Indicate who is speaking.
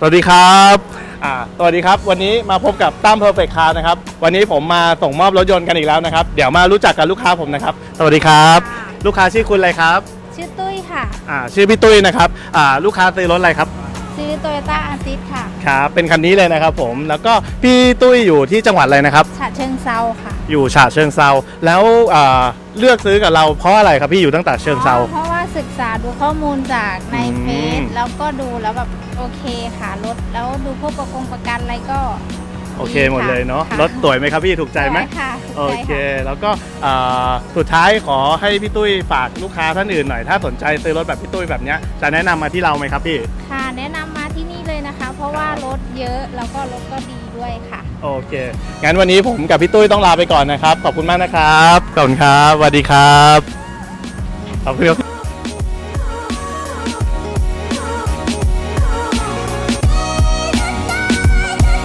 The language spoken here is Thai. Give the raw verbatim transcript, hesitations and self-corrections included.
Speaker 1: สวัสดีครับอ่าสวัสดีครับวันนี้มาพบกับตั้มเพอร์เฟคต์คาร์นะครับวันนี้ผมมาส่งมอบรถยนต์กันอีกแล้วนะครับเดี๋ยวมารู้จักกับลูกค้าผมนะครับสวัสดีครับลูกค้าชื่อคุณอะไรครับ
Speaker 2: ชื่อตุ้ยค่ะ
Speaker 1: อ่าชื่อพี่ตุ้ยนะครับอ่าลูกค้าซื้อรถอะไรครับ
Speaker 2: ซื้อโตโยต้าอาซิสค่ะ
Speaker 1: ครับเป็นคันนี้เลยนะครับผมแล้วก็พี่ตุ้ยอยู่ที่จังหวัดอะไรนะครับ
Speaker 2: ฉะเชิงเซาค่ะ
Speaker 1: อยู่ฉะเชิงเซาแล้วอ่าเลือกซื้อกับเราเพราะอะไรครับพี่อยู่ตั้งแต่เชิงเซา
Speaker 2: เพราะว่าศึกษาดูข้อมูลจากในเฟซแล้วก็ดูแล้วแบบโอเคค่ะรถแล้วดูพวกประกงประกันอะไรก็
Speaker 1: โอเคหมดเลยเนาะรถสวยไหมครับพี่ถูกใจไหม
Speaker 2: ค่ะ
Speaker 1: โอเคแล้วก็สุดท้ายขอให้พี่ตุ้ยฝากลูกค้าท่านอื่นหน่อยถ้าสนใจซื้อรถแบบพี่ตุ้ยแบบนี้จะแนะนำมาที่เราไหมครับพี่
Speaker 2: ค่ะแนะนำมาที่นี่เลยนะคะเพราะว่ารถเยอะแล้วก็รถก็ดีด้วยค่ะ
Speaker 1: โอเคงั้นวันนี้ผมกับพี่ตุ้ยต้องลาไปก่อนนะครับขอบคุณมากนะครับขอบคุณครับสวัสดีครับขอบคุณ